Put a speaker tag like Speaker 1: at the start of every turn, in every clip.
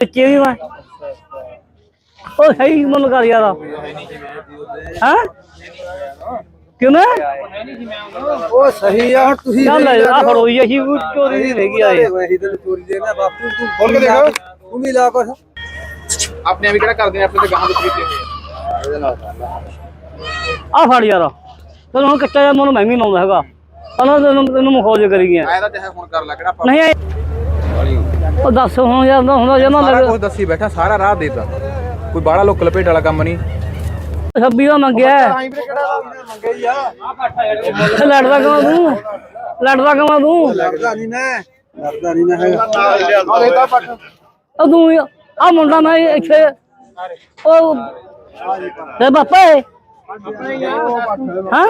Speaker 1: ਬੱਚੇ ਵੀ ਮੈਂ ਉਹ ਸਹੀ ਮਨ ਕਰ ਯਾਰ ਹਾਂ ਕਿਵੇਂ
Speaker 2: ਉਹ ਸਹੀ ਆ ਹੁਣ ਤੁਸੀਂ
Speaker 1: ਚੱਲ ਆ ਫੜੋ ਜੀ ਅਸੀਂ ਚੋਰੀ ਨਹੀਂ ਹੈਗੀ ਆਏ
Speaker 2: ਵਹੀ ਤੇ ਚੋਰੀ ਦੇ ਨਾ ਬਾਪੂ ਤੂੰ ਖੋਲ ਕੇ ਦੇਖ ਤੂੰ ਵੀ ਲਾ ਕੁਛ
Speaker 3: ਆਪਣੇ ਵੀ ਕਿਹੜਾ ਕਰਦੇ ਨੇ ਆਪਣੇ ਤੇ ਗਾਹਾਂ ਵਿੱਚ ਕੀਤੇ ਹੋਏ
Speaker 2: ਇਹਦੇ ਨਾਲ
Speaker 1: ਆ ਫੜ ਯਾਰ ਤੈਨੂੰ ਹੁਣ ਕੱਚਾ ਜਿਹਾ ਮੈਨੂੰ ਮੈਂ ਵੀ ਲਾਉਂਦਾ ਹੈਗਾ ਪਹਿਲਾਂ ਤੈਨੂੰ ਮਖੌਜ ਕਰੀ ਗਿਆ
Speaker 3: ਆਇਆ ਤਾਂ ਚਾਹੇ ਹੁਣ ਕਰ ਲੈ ਕਿਹੜਾ
Speaker 1: ਨਹੀਂ ਉਹ ਦੱਸ ਹੁਣ ਯਾਰ ਹੁੰਦਾ ਜਮਾ
Speaker 3: ਸਾਰਾ ਕੁਝ ਦੱਸੀ ਬੈਠਾ ਸਾਰਾ ਰਾਹ ਦੇਤਾ ਕੋਈ ਬਾਹਲਾ ਲੋਕ ਲਪੇਟ ਵਾਲਾ ਕੰਮ ਨਹੀਂ
Speaker 1: 26 ਦਾ ਮੰਗਿਆ
Speaker 2: ਮੰਗੇ ਹੀ ਆ
Speaker 1: ਲੜਦਾ ਕਮਾ ਤੂੰ
Speaker 2: ਲੱਗਦਾ ਨਹੀਂ ਮੈਂ ਹੈਗਾ
Speaker 1: ਉਹ ਤੂੰ ਆ ਮੁੰਡਾ ਮੈਂ ਇੱਥੇ ਉਹ ਤੇ ਬਾਪਾ ਹੈ ਹਾਂ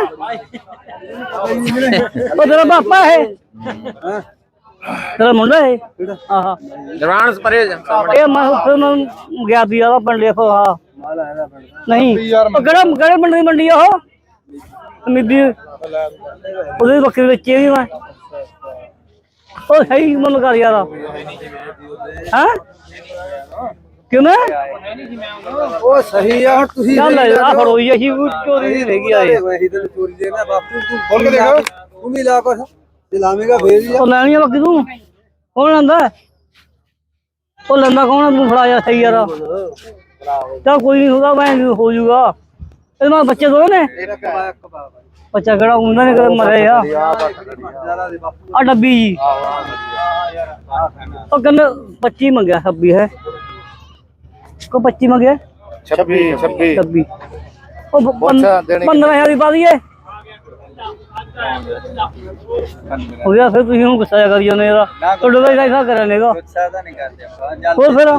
Speaker 1: ਉਹ ਤੇਰਾ ਬਾਪਾ ਹੈ ਤੇਰਾ ਮੁੰਡਾ ਹੈ ਆਹਾ
Speaker 3: ਜਵਾਨ ਪਰੇ
Speaker 1: ਇਹ ਮੈਂ ਫਿਰ ਗਿਆ ਦੀ ਆ ਪਿੰਡ ਲਿਖੋ ਹਾਂ ਨਹੀਂ ਉਹ ਕਿਹੜੇ ਪਿੰਡ ਦੀ ਮੰਡੀ ਆ ਉਹ ਮਿੱਦੀ ਉਹਦੇ ਬੱਕਰੀ ਵੇਚੇ ਵੀ ਮੈਂ ਉਹ ਸਹੀ ਮਨ ਕਰ ਯਾਰ ਹਾਂ ਕਿਵੇਂ
Speaker 2: ਉਹ ਸਹੀ ਆ ਹੁਣ ਤੁਸੀਂ
Speaker 1: ਚੱਲ ਆ ਫੜੋ ਜੀ ਅਸੀਂ ਚੋਰੀ ਨਹੀਂ ਹੈਗੀ ਆਏ
Speaker 2: ਵਹੀ ਤੇ ਚੋਰੀ ਦੇ ਨਾ ਬਾਪੂ ਤੂੰ ਖੋਲ ਕੇ ਦੇਖ ਤੂੰ ਵੀ ਲਾ ਕੁਛ ਜੇ ਲਾਵੇਂਗਾ ਫੇਰ ਹੀ ਆ
Speaker 1: ਉਹ ਲੈਣੀ ਆ ਬਾਕੀ ਤੂੰ ਕੌਣ ਲੈਂਦਾ ਉਹ ਲੈਂਦਾ ਕੌਣ ਤੂੰ ਫੜਾ ਜਾ ਸਹੀ ਯਾਰ ਚੱਲ ਕੋਈ ਨਹੀਂ ਹੁੰਦਾ ਮੈਂ ਹੋ ਜਾਊਗਾ ਇਹਦੇ ਨਾਲ ਬੱਚੇ ਦੋ ਨੇ ਬੱਚਾ ਕਿਹੜਾ ਹੁੰਦਾ ਨੇ ਕਦੇ ਮਰੇ ਆ ਆ ਡੱਬੀ ਜੀ ਉਹ ਕਹਿੰਦੇ 25 ਮੰਗਿਆ 26 ਹੈ ਕੋ 25 ਮੰਗਿਆ 26 ਉਹ 15,000 ਦੀ ਪਾ ਦਈਏ ਹੋ ਗਿਆ ਫਿਰ ਤੁਸੀਂ ਹੁਣ ਗੁੱਸਾ ਕਰੀ ਜਾਂਦੇ ਯਾਰ ਤੁਹਾਡੇ ਦਾ ਐਸਾ ਕਰਿਆ ਨੇਗਾ
Speaker 2: ਗੁੱਸਾ ਤਾਂ ਨਹੀਂ ਕਰਦੇ ਆਪਾਂ
Speaker 1: ਹੋਰ ਫਿਰ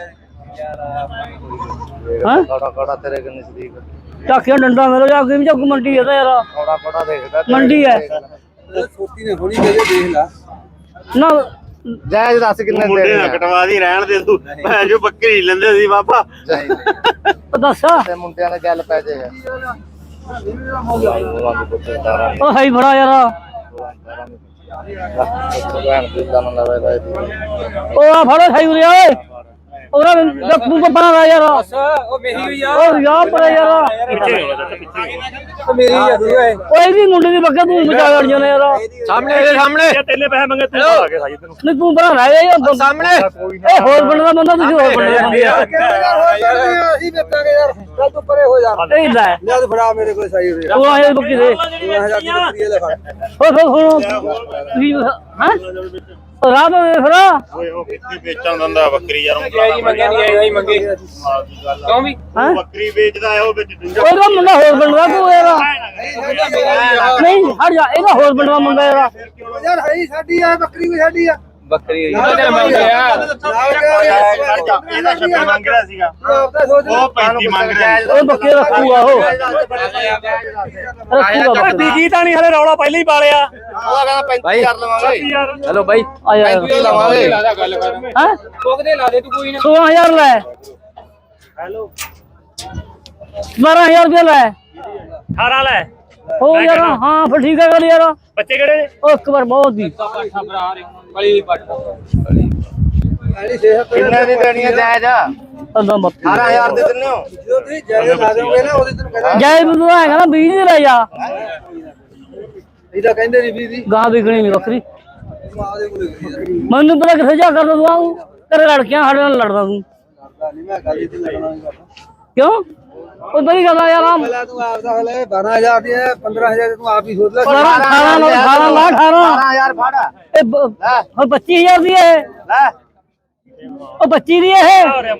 Speaker 1: ਹਾਂ
Speaker 2: ਕੜਾ ਤੇਰੇ ਕੇ ਨਜ਼ਦੀਕ
Speaker 1: ਚਾਕਿਆ ਡੰਡਾ ਮੇਰਾ ਜਾ ਕੇ ਵੀ ਚੱਕ ਮੰਡੀ ਹੈ ਤਾਂ ਯਾਰ
Speaker 2: ਕੜਾ ਦੇਖਦਾ
Speaker 1: ਮੰਡੀ ਹੈ
Speaker 2: ਸੋਤੀ ਨੇ ਹੋਣੀ ਦੇਖ ਲਾ
Speaker 1: ਨਾ
Speaker 2: ਜਾਇਜ਼ ਦੱਸ ਕਿੰਨੇ
Speaker 4: ਮੁੰਡੇ ਨਾ ਕਟਵਾ ਦੀ ਰਹਿਣ ਦੇ ਤੂੰ ਭੈਣ ਜੋ ਬੱਕਰੀ ਲੈਂਦੇ ਸੀ ਬਾਬਾ
Speaker 1: ਉਹ ਦੱਸ
Speaker 2: ਤੇ ਮੁੰਡਿਆਂ ਨਾਲ ਗੱਲ ਪੈ ਜਾਏਗਾ
Speaker 1: ਉਹ ਸਹੀ ਫੜਾ ਯਾਰ ਉਹ ਆ ਫੜੋ ਸਹੀ ਉਰੇ ਓਏ ਉਹਦਾ ਤੂੰ ਤਾਂ ਬਣਾ ਯਾਰ
Speaker 2: ਉਹ ਮੇਰੀ ਹੋਈ ਆ
Speaker 1: ਉਹ ਯਾਰ ਪਰ ਯਾਰ
Speaker 2: ਉਹ ਮੇਰੀ ਆ ਓਏ
Speaker 1: ਓਏ ਵੀ ਮੁੰਡੇ ਦੀ ਬੱਕਾ ਤੂੰ ਬਚਾ ਲੜ ਜਾਣਾ ਯਾਰ
Speaker 3: ਸਾਹਮਣੇ ਇਹਦੇ ਸਾਹਮਣੇ
Speaker 4: ਤੇਨੇ ਪੈਸੇ ਮੰਗੇ ਤੂੰ ਆ ਕੇ ਸਾਜੀ ਤੈਨੂੰ
Speaker 1: ਨਹੀਂ ਤੂੰ ਬਣਾ ਰਹਿ ਜਾ
Speaker 3: ਸਾਹਮਣੇ
Speaker 1: ਇਹ ਹੋਰ ਪਿੰਡ ਦਾ ਬੰਦਾ ਤੁਸੀਂ ਹੋਰ ਪਿੰਡ ਦਾ ਬੰਦੇ ਆ
Speaker 2: ਅਸੀਂ ਵੇਚਾਂਗੇ ਯਾਰ ਚੱਲ ਤੂੰ ਪਰੇ ਹੋ ਜਾ
Speaker 1: ਇਹ ਲੈ
Speaker 2: ਲੈ ਤੂੰ ਫੜਾ ਮੇਰੇ ਕੋਲ ਸਹੀ ਹੋਵੇ
Speaker 1: ਤੂੰ ਆਏ ਬੱਕੀ ਦੇ
Speaker 2: 2000 ਦੀ ਬੱਕਰੀ ਲੈ ਫੜ
Speaker 1: ਹੋ ਤੁਸੀਂ ਹਾਂ ਰਾਤ ਦੇ ਫੜਾ
Speaker 4: ਓਏ ਉਹ ਕਿੱਥੇ ਵੇਚਣ ਦਿੰਦਾ ਬੱਕਰੀ ਯਾਰ
Speaker 3: ਆਈ ਮੰਗੇ ਨਹੀਂ ਆਈ ਮੰਗੇ ਕਿਉਂ ਵੀ
Speaker 1: ਹਾਂ
Speaker 4: ਬੱਕਰੀ ਵੇਚਦਾ ਹੈ ਉਹ ਵਿੱਚ ਦੂਜਾ
Speaker 1: ਉਹਦਾ ਮੁੰਡਾ ਹੋਰ ਪਿੰਡ ਦਾ ਤੂੰ ਯਾਰ ਨਹੀਂ ਹਟ ਜਾ ਇਹਦਾ ਹੋਰ ਪਿੰਡ ਦਾ ਮੁੰਡਾ ਯਾਰ
Speaker 2: ਯਾਰ ਹੈ ਸਾਡੀ ਆ ਬੱਕਰੀ ਵੀ ਸਾਡੀ ਆ
Speaker 3: ਬੱਕਰੀ ਇਹਦੇ ਮੰਗੇ ਆ
Speaker 4: ਇਹਦਾ 26 ਮੰਗ ਰਿਹਾ ਸੀਗਾ ਉਹ 35 ਮੰਗ ਰਿਹਾ
Speaker 1: ਉਹ ਬੱਕੇ ਰੱਖੂਗਾ ਉਹ ਰੱਖੂਗਾ
Speaker 4: ਬੀਜੀ ਤਾਂ ਨਹੀਂ ਹਲੇ ਰੌਲਾ ਪਹਿਲਾਂ ਹੀ ਪਾਲਿਆ
Speaker 3: ਉਹ ਕਹਿੰਦਾ 35 ਕਰ ਲਵਾਂਗੇ ਹੈਲੋ ਬਾਈ
Speaker 1: ਆ ਯਾਰ
Speaker 3: 35 ਲਵਾਂਗੇ ਗੱਲ ਕਰ
Speaker 1: ਹਾਂ
Speaker 3: ਕੋਕਦੇ ਲਾ ਦੇ ਤੂੰ ਕੋਈ ਨਾ
Speaker 1: 16000 ਲੈ
Speaker 4: ਹੈਲੋ
Speaker 1: 12000 ਰੁਪਏ ਲੈ
Speaker 4: 18 ਲੈ
Speaker 1: ਹੋ ਯਾਰ ਹਾਂ ਫਿਰ ਠੀਕ ਹੈ ਗੱਲ ਯਾਰ
Speaker 4: ਬੱਚੇ ਕਿਹੜੇ ਨੇ
Speaker 1: ਉਹ ਇੱਕ ਵਾਰ ਬਹੁਤ ਦੀ
Speaker 3: ਬੜੀ ਪੱਟ
Speaker 2: ਕਿੰਨੇ ਦੀ ਦੇਣੀ ਹੈ ਜਾਇਜ਼
Speaker 1: ਅੱਲਾ ਮਤ
Speaker 2: 18000 ਦੇ ਦਿੰਨੇ ਹੋ ਜਦੋਂ ਤੁਸੀਂ ਜਾਇਜ਼ ਲਾ ਦੋਗੇ ਨਾ ਉਹਦੇ ਤੈਨੂੰ ਕਹਿੰਦਾ
Speaker 1: ਜੈ ਬੰਦੂ ਹੈਗਾ ਨਾ 20 ਦੀ ਲੈ ਜਾ
Speaker 2: ਇਹਦਾ ਕਹਿੰਦੇ ਨਹੀਂ 20 ਦੀ
Speaker 1: ਗਾਂ ਵਿਕਣੀ ਨਹੀਂ ਬੱਕਰੀ
Speaker 2: ਆਦੇ ਕੋਲ ਗਈ
Speaker 1: ਮੈਨੂੰ ਪਤਾ ਕਿੱਥੇ ਜਾ ਕਰਦਾ ਤੂੰ ਆਉਂ ਤੇਰੇ ਲੜਕਿਆਂ ਸਾਡੇ ਨਾਲ ਲੜਦਾ ਤੂੰ
Speaker 2: ਕਰਦਾ ਨਹੀਂ ਮੈਂ ਗੱਲ ਇੱਥੇ ਲੜਨਾ ਨਹੀਂ ਕਰਦਾ
Speaker 1: ਕਿਉਂ ਉਹ ਬੜੀ ਗੱਲ ਆ ਯਾਰ ਆ
Speaker 2: ਪਹਿਲਾਂ ਤੂੰ ਆਪ ਦਾ ਹਲੇ 12000 ਦੀ ਹੈ 15000 ਤੂੰ ਆਪ ਹੀ ਸੋਚ ਲੈ
Speaker 1: 18 ਲਾ
Speaker 2: 18000 ਫੜ
Speaker 1: ਇਹ ਹੁਣ 25000 ਦੀ ਹੈ
Speaker 2: ਲੈ
Speaker 1: ਉਹ 25 ਦੀ ਹੈ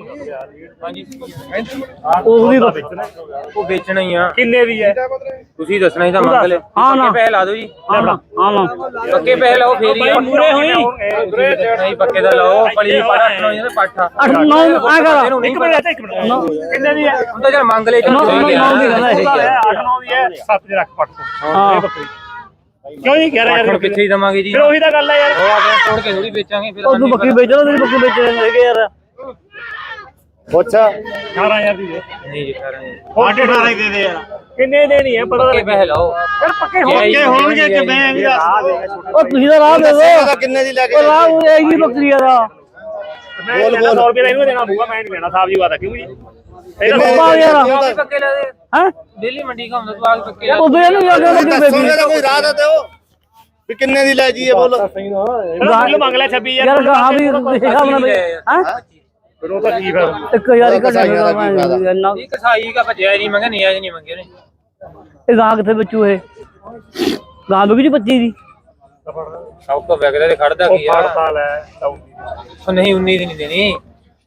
Speaker 1: ਉਹ ਵੀ
Speaker 3: ਉਹ ਵੇਚਣਾ ਹੀ ਆ
Speaker 4: ਕਿੰਨੇ ਦੀ ਹੈ
Speaker 3: ਤੁਸੀਂ ਦੱਸਣਾ ਹੀ ਤਾਂ ਮੰਗ ਲੈ
Speaker 1: ਹਾਂ ਨਾ
Speaker 3: ਪੱਕੇ ਪੈਸੇ ਲਾ ਦਿਓ ਜੀ
Speaker 1: ਹਾਂ ਨਾ
Speaker 3: ਪੱਕੇ ਪੈਸੇ ਲਾਓ ਫੇਰ ਹੀ
Speaker 4: ਮੂਰੇ ਹੋਈ
Speaker 3: ਨਹੀਂ ਪੱਕੇ ਦਾ ਲਾਓ ਪਲੀ ਪਾਠਾ ਅੱਠ ਜਾਂ ਪਾਠਾ
Speaker 1: 8 9 ਆ ਕਰ
Speaker 4: ਇੱਕ ਮਿੰਟ ਇੱਕ ਮਿੰਟ ਕਿੰਨੇ ਦੀ ਹੈ
Speaker 3: ਹੁਣ ਤਾਂ ਜਦ ਮੰਗ ਲੈ
Speaker 1: ਨੌ ਦੀ ਗੱਲ ਹੈ
Speaker 4: 8 9 ਦੀ ਹੈ 7 ਦੇ ਰੱਖ ਪੱਟ
Speaker 1: ਹਾਂ
Speaker 4: ਕਿਉਂ ਨਹੀਂ ਕਹਿ ਰਿਹਾ
Speaker 3: ਹੁਣ
Speaker 4: ਯਾਰ
Speaker 3: ਕਿੱਥੇ ਹੀ ਦਵਾਂਗੇ ਜੀ
Speaker 4: ਫਿਰ ਉਹੀ ਤਾਂ ਗੱਲ ਹੈ ਯਾਰ
Speaker 3: ਉਹ ਆ ਕੇ ਤੋੜ ਕੇ ਥੋੜੀ ਵੇਚਾਂਗੇ ਫਿਰ
Speaker 1: ਉਹ ਤੂੰ ਬੱਕਰੀ ਵੇਚ ਲੈ ਤੇਰੀ ਬੱਕਰੀ ਵੇਚ ਲੈਣਗੇ ਯਾਰ
Speaker 2: ਪੁੱਛ
Speaker 4: 18000 ਦੀ ਦੇ
Speaker 3: ਨਹੀਂ ਜੀ ਖਰਾ ਨਹੀਂ
Speaker 4: 18 ਹੀ ਦੇ ਦੇ ਯਾਰ ਕਿੰਨੇ ਦੇਣੀ ਹੈ ਪਤਾ
Speaker 3: ਪੱਕੇ ਪੈਸੇ ਲਾਓ
Speaker 4: ਯਾਰ ਪੱਕੇ ਹੋਣਗੇ ਕਿ ਮੈਂ ਵੀ
Speaker 1: ਉਹ ਤੁਸੀਂ ਤਾਂ ਰਾਹ ਦੇ ਦੋ
Speaker 2: ਕਿੰਨੇ ਦੀ ਲੈ
Speaker 1: ਉਹ ਰਾਹ ਉਹ ਹੈਗੀ ਬੱਕਰੀ ਦਾ
Speaker 4: ਮੈਂ 100 ਰੁਪਏ ਦਾ ਇਹਨੂੰ ਦੇਣਾ ਪਊਗਾ, ਮੈਂ ਨਹੀਂ ਲੈਣਾ ਸਾਹਿਬ ਜੀ ਵਾਦਾ ਕਿਉਂ ਜੀ
Speaker 1: ਪਾ ਯਾਰ
Speaker 2: ਪੱਕੇ ਲੈ ਦੇ
Speaker 1: ਹੈ
Speaker 2: ਦਿੱਲੀ ਮੰਡੀ ਘੁੰਮਦਾ ਤੂੰ ਆਪ ਪੱਕੇ ਲੈ
Speaker 1: ਉਹਦੇ ਨੂੰ ਜਾ ਕੇ ਬੱਕਰੀ ਵੇਚੀ
Speaker 5: ਕੋਈ ਰਾਹ ਤਾਂ ਦਿਓ ਵੀ ਕਿੰਨੇ ਦੀ ਲੈ ਜੀਏ ਬੋਲੋ।
Speaker 4: ਮੁੱਲ ਮੰਗ ਲੈ 26000
Speaker 1: ਯਾਰ ਗਾਹਾਂ ਵੀ ਹਿਸਾਬ ਨਾਲ ਹੈ
Speaker 4: ਫਿਰ ਉਹ ਤਾਂ ਕੀ ਫਿਰ
Speaker 1: 1000 ਘਟਾ ਇੰਨਾ
Speaker 2: ਇਹ ਕਸਾਈ ਦਾ ਭਜਿਆ ਨਹੀਂ ਮੰਗੇ ਨਹੀਂ ਆਜ ਨਹੀਂ ਮੰਗੇ ਨੇ
Speaker 1: ਇਹ ਗਾਂ ਕਿੱਥੇ ਬੱਚੂ ਇਹ ਗਾਂ ਵੀ 25 ਦੀ
Speaker 2: ਸਭ ਤੋਂ ਵਗਦੇ ਤੇ ਖੜਦਾ ਕੀ ਆ
Speaker 4: ਫੜਤਾ ਲੈ
Speaker 2: ਉਹ ਨਹੀਂ 19 ਦੀ ਨਹੀਂ ਦੇਣੀ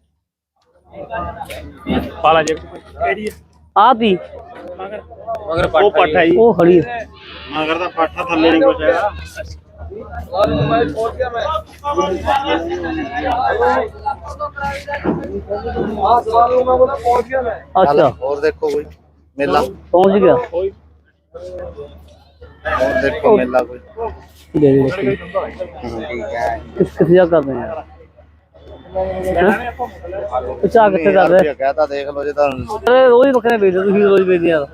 Speaker 4: ਪਾਲਾ ਜੇ ਕਿਹੜੀ
Speaker 1: ਆ ਪੀ
Speaker 2: ਮਗਰ
Speaker 4: ਉਹ ਪਾਠਾ ਜੀ
Speaker 1: ਉਹ ਖੜੀ ਹੈ।
Speaker 4: ਮਗਰ ਦਾ ਪਾਠਾ ਥੱਲੇ ਨਹੀਂ ਕੁਛ ਹੈਗਾ
Speaker 1: ਅੱਛਾ
Speaker 5: ਹੋਰ ਦੇਖੋ ਕੋਈ ਮੇਲਾ,
Speaker 1: ਪਹੁੰਚ ਗਿਆ
Speaker 5: ਹੋਰ ਦੇਖੋ ਮੇਲਾ ਕੋਈ।
Speaker 1: ਦੇ ਦੇ ਬੱਕਰੀ। ਕਿੱਥੇ ਜਾ ਕਰਦੇ ਆ ਚਾਹ ਕਿੱਥੇ ਕਰਦੇ
Speaker 5: ਕਹਤਾ ਦੇਖ ਲਓ ਜੇ ਤਾਂ
Speaker 1: ਅਰੇ ਰੋਜ਼ ਬੱਕਰੇ ਵੇਚਦੇ ਤੁਸੀਂ ਰੋਜ਼ ਵੇਚਦੇ ਯਾਰ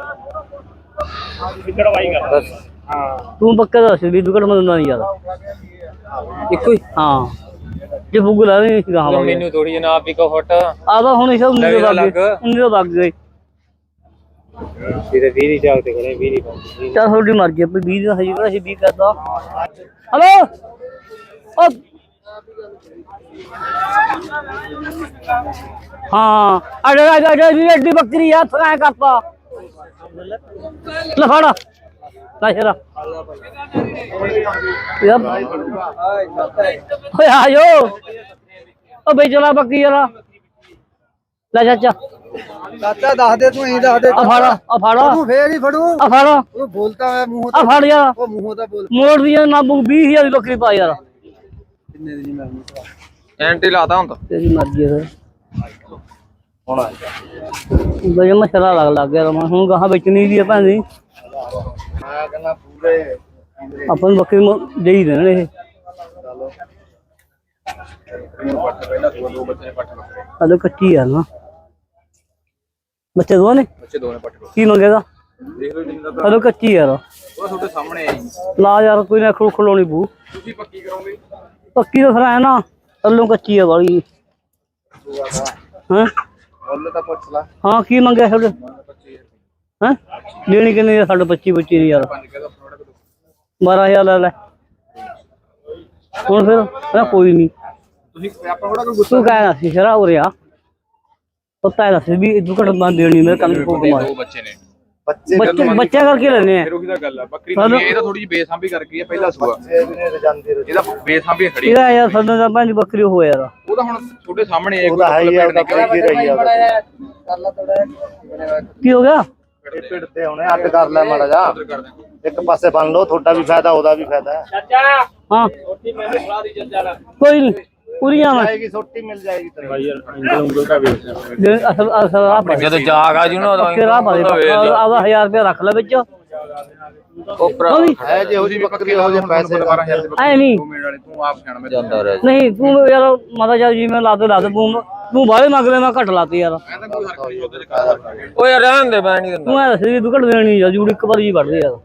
Speaker 4: ਵਿਕੜਵਾਈ ਕਰ ਹਾਂ
Speaker 1: ਤੂੰ ਬੱਕਰਾ ਦੱਸ ਵੀ ਦੁਕੜ ਮੰਨਦਾ ਨਹੀਂ ਯਾਰ
Speaker 2: ਇੱਕੋ ਹੀ
Speaker 1: ਹਾਂ ਜੇ ਬੁੱਗ ਲਾ ਨਹੀਂ ਗਾਹਾਂ ਵਾਲੇ
Speaker 2: ਮੈਨੂੰ ਥੋੜੀ ਜਨਾਬ ਵੀ ਕੋ ਫੁੱਟ
Speaker 1: ਆਦਾ ਹੁਣ ਇਹ 19 ਦੇ ਲੱਗ ਗਏ
Speaker 2: ਸਿਰੇ 20 ਦੀ ਚਾਹ ਤੇ ਕਰੇ 20 ਦੀ ਪਾਉਂਦੀ
Speaker 1: ਚੱਲ ਤੁਹਾਡੀ ਮਰਜ਼ੀ ਆ 20 ਦਾ ਹਜੀ ਕਿਹੜਾ ਸੀ 20 ਕਰਦਾ ਹਲੋ ਓ ਹਾਂ ਅੜੇ ਵੀ ਐਡੀ ਬੱਕਰੀ ਆ ਥਾਂ ਕਰਤਾ ਲੈ ਫੜ ਲੈ ਸ਼ਰਾ ਯਾਰ ਓਏ ਆਜੋ ਓ ਬਈ ਚਲਾ ਬੱਕਰੀ ਯਾਰ ਲੈ ਚਾਚਾ
Speaker 2: ਚਾਚਾ ਦੱਸ ਦੇ ਤੂੰ ਇਹੀ ਦੱਸ ਦੇ
Speaker 1: ਆ ਫੜ
Speaker 2: ਤੂੰ ਫੇਰ ਹੀ ਫੜੂ
Speaker 1: ਆ ਫੜ
Speaker 2: ਉਹ ਬੋਲਤਾ ਹੋਇਆ ਮੂੰਹ
Speaker 1: ਆ ਫੜ ਯਾਰ
Speaker 2: ਉਹ ਮੂੰਹੋਂ ਦਾ ਬੋਲ
Speaker 1: ਮੋੜ ਦੀ ਨਾ 20000 ਦੀ ਬੱਕਰੀ ਪਾ ਯਾਰ
Speaker 2: ਕਿੰਨੇ ਦੀ ਨਹੀਂ ਮਿਲਣੀ
Speaker 3: ਐਂਟੀ ਲਾਤਾ ਹੁਣ ਤਾਂ
Speaker 1: ਤੇਰੀ ਮਰਜ਼ੀ ਹੈ
Speaker 5: ਹੁਣ
Speaker 1: ਬਈ ਮਸਲਾ ਲੱਗ ਗਿਆ ਹੁਣ ਗਾਹਾਂ ਵੇਚਣੀ ਦੀ ਆ ਭਾਂਦੀ
Speaker 5: ਮੈਂ ਕਹਿੰਦਾ ਪੂਰੇ
Speaker 1: ਆਪਾਂ ਨੂੰ ਬੱਕਰੀ ਦੇਈ ਦੇਣ ਇਹ
Speaker 5: ਚਲੋ
Speaker 3: ਪਹਿਲਾਂ ਦੋ ਬੱਚੇ ਨੇ ਪੱਟ ਬੱਕਰੇ
Speaker 1: ਹਲੇ ਕੱਚੀ ਆ ਨਾ ਬੱਚੇ ਦੋ ਨੇ
Speaker 3: ਬੱਚੇ ਦੋ ਨੇ ਪੱਟ
Speaker 1: ਕੀ ਮੰਗੇਗਾ
Speaker 3: ਦੇਖ ਲਓ ਜਿੰਨਾ ਤਾਂ
Speaker 1: ਹਲੇ ਕੱਚੀ ਯਾਰ
Speaker 3: ਉਹ ਤੁਹਾਡੇ ਸਾਹਮਣੇ ਹੈ ਜੀ।
Speaker 1: ਲਾ ਯਾਰ ਕੋਈ ਨਾ ਖਲੋਣੀ ਬੂ
Speaker 3: ਤੁਸੀਂ ਪੱਕੀ ਕਰੋਗੇ
Speaker 1: ਪੱਕੀ ਤਾਂ ਫਿਰ ਐ ਨਾ ਥੱਲੋਂ ਕੱਚੀ ਆ ਵਾਲੀ ਹਾਂ
Speaker 5: ਮੁੱਲ ਤਾਂ ਪੁੱਛ ਲਾ।
Speaker 1: ਹਾਂ ਕੀ ਮੰਗਿਆ ਤੁਹਾਡੇ ਹਾਂ ਲੈਣੀ ਕਿੰਨੀ ਆ ਸਾਡੇ 25 ਨਹੀਂ ਯਾਰ 12000 ਲੈ ਲੈ ਹੁਣ ਫਿਰ ਮੈਂ ਕੋਈ ਨਹੀਂ
Speaker 3: ਤੁਸੀਂ ਆਪਾਂ ਥੋੜਾ ਕੋਈ
Speaker 1: ਤੂੰ ਕਹਿਣਾ ਸੀ ਸ਼ਰਾ ਹੋ ਰਿਹਾ ਪਤਾ ਹੈ ਦੱਸ ਵੀ ਦੁਕੜ ਬੰਦ ਦੇਣੀ ਮੇਰੇ ਕੰਮ ਕੋ ਕਮਾ
Speaker 3: ਦੋ ਬੱਚੇ ਨੇ
Speaker 1: ਬੱਚਾ ਕਰਕੇ ਲੈਣੇ ਆ
Speaker 3: ਫਿਰ ਉਹੀ ਤਾਂ ਗੱਲ ਆ ਬੱਕਰੀ ਦੀ ਇਹ ਤਾਂ ਥੋੜੀ ਜਿਹੀ ਬੇਸਾਂਭੀ ਕਰ ਗਈ ਹੈ ਪਹਿਲਾ ਸੂਆ
Speaker 5: ਇਹ ਵੀ ਨਹੀਂ ਜਾਂਦੀ
Speaker 3: ਇਹਦਾ ਬੇਸਾਂਭੀ ਖੜੀ
Speaker 1: ਇਹਦਾ ਯਾਰ ਸਾਡਾ ਤਾਂ ਪੰਜ ਬੱਕਰੀ ਹੋ ਯਾਰ
Speaker 3: ਉਹ ਤਾਂ ਹੁਣ ਤੁਹਾਡੇ ਸਾਹਮਣੇ ਹੈ
Speaker 5: ਉਹ ਤਾਂ ਹੈ ਹੀ ਆ, ਉਹ ਤਾਂ ਪਈ ਰਹੀ ਆ
Speaker 1: ਕੀ ਹੋ ਗਿਆ
Speaker 5: ਇਹ ਪਿੰਡ ਤੇ ਹੁਣੇ ਅੱਡ ਕਰ ਲੈ ਮਾੜਾ ਜਾ ਇੱਕ ਪਾਸੇ ਬੰਨ ਲਓ, ਤੁਹਾਡਾ ਵੀ ਫਾਇਦਾ ਉਹਦਾ ਵੀ ਫਾਇਦਾ ਹੈ।
Speaker 1: ਹਾਂ ਕੋਈ ਨਹੀਂ ਪੂਰੀਆਂ ਮੈਂ
Speaker 5: ਆਏਗੀ ਛੋਟੀ ਮਿਲ ਜਾਏਗੀ ਤੈਨੂੰ।
Speaker 1: ਅਸਲ ਆ ਪਾ
Speaker 2: ਜਦੋਂ ਜਾਗ ਆ ਜੂ ਨਾ
Speaker 1: ਕਿਹੜਾ ਪਾ ਦੇ ਆਦਾ 1000 ਰੁਪਏ ਰੱਖ ਲੈ ਵਿੱਚ
Speaker 3: ਉਹ ਭਰਾ
Speaker 5: ਹੈ ਜੇ ਉਹਦੀ ਬੱਕਰੀ ਹੋ ਜੇ ਪੈਸੇ
Speaker 3: 12000 ਦੇ
Speaker 1: ਐ ਨਹੀਂ
Speaker 3: ਦੋ ਮਿੰਟ ਵਾਲੇ ਤੂੰ ਆਪ ਜਾਣ ਮੈਂ ਜਾਂਦਾ ਰਿਹਾ
Speaker 1: ਨਹੀਂ ਤੂੰ ਯਾਰ ਮਾਤਾ ਜੀ ਜਿਵੇਂ ਲਾ ਦੇ ਤੂੰ ਬਾਹਲੇ ਮੰਗ ਲੈ ਮੈਂ ਘੱਟ ਲਾਤੀ ਯਾਰ
Speaker 3: ਮੈਂ ਤਾਂ ਕੋਈ ਹਰਕਤ ਨਹੀਂ ਉਹਦੇ ਚ ਕਰ
Speaker 2: ਓਏ ਯਾਰ ਰਹਿਣ ਦੇ ਮੈਂ ਨਹੀਂ ਦਿੰਦਾ
Speaker 1: ਤੂੰ ਐ ਦੱਸ ਵੀ ਤੂੰ ਘੱਟ ਦੇਣੀ ਆ ਜੂੜੀ ਇੱਕ ਵਾਰ ਜੀ ਵੱਢਦੇ ਯਾਰ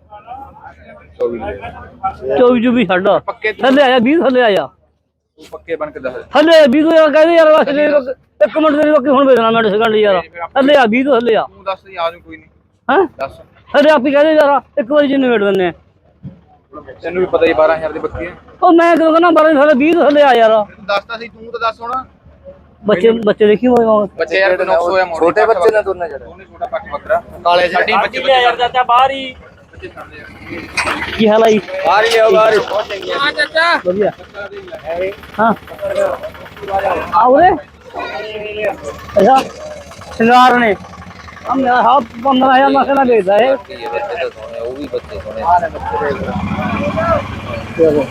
Speaker 1: 24 ਜੂ ਵੀ ਛੱਡ ਥੱਲੇ ਆਇਆ 20 ਥੱਲੇ ਆਇਆ
Speaker 3: ਤੂੰ ਪੱਕੇ ਬਣ ਕੇ ਦੱਸ
Speaker 1: ਥੱਲੇ 20 ਤੋਂ ਯਾਰ ਕਹਿੰਦੇ ਯਾਰ ਵਾਸਤੇ ਇੱਕ ਮਿੰਟ ਦੇ ਵਕਤ ਹੁਣ ਵੇਚਣਾ ਮੈਂ ਸੈਕਿੰਡ ਯਾਰ ਥੱਲੇ ਆ 20 ਤੋਂ ਥੱਲੇ ਆ
Speaker 3: ਤੂੰ ਦੱਸ ਆ ਜਾਊ ਕੋਈ ਨਹੀਂ
Speaker 1: ਹੈਂ
Speaker 3: ਦੱਸ
Speaker 1: ਥੱਲੇ ਆਪੀ ਕਹਿੰਦੇ ਯਾਰ ਇੱਕ ਵਾਰੀ ਜਿੰਨੇ ਵੇਟ ਦਿੰਨੇ ਆ
Speaker 3: ਤੈਨੂੰ ਵੀ ਪਤਾ ਹੀ 12000 ਦੀ ਬੱਕਰੀ ਹੈ
Speaker 1: ਉਹ ਮੈਂ ਕਿਉਂ ਕਹਿੰਦਾ 12 ਥੱਲੇ 20 ਤੋਂ ਥੱਲੇ ਆ ਯਾਰ
Speaker 3: ਤੂੰ ਦੱਸਦਾ ਸੀ ਤੂੰ ਤਾਂ ਦੱਸ ਹੁਣ
Speaker 1: ਬੱਚੇ ਦੇਖੀ ਹੋਏ
Speaker 3: ਬੱਚੇ ਯਾਰ ਤੈਨੂੰ 900 ਆ
Speaker 5: ਛੋਟੇ ਬੱਚੇ ਨੇ ਦੋਨੇ ਜਿਹੜੇ
Speaker 3: ਉਹਨੇ ਛੋਟਾ ਪੱਕ ਬੱਕਰਾ
Speaker 5: ਕਾਲੇ
Speaker 3: ਸਾਡੀ ਬੱਚੇ
Speaker 2: ਯਾਰ ਚਾਚਾ ਬਾਹਰ ਹੀ
Speaker 1: ਕੀ ਹਾਲ ਆਈ
Speaker 2: ਬਾਹਰ ਹੀ ਆਓ ਬਾਹਰ ਹਾਂ ਚਾਚਾ
Speaker 1: ਵਧੀਆ ਹਾਂ ਆਉਰੇ ਅੱਛਾ ਸ਼ਿੰਗਾਰ ਨੇ ਹਮ ਹਾਂ 15000 ਮਸਲਾ ਵੇਚਦਾ ਹੈ
Speaker 2: ਉਹ ਵੀ ਬੱਚੇ ਸੋਹਣੇ
Speaker 1: ਚਲੋ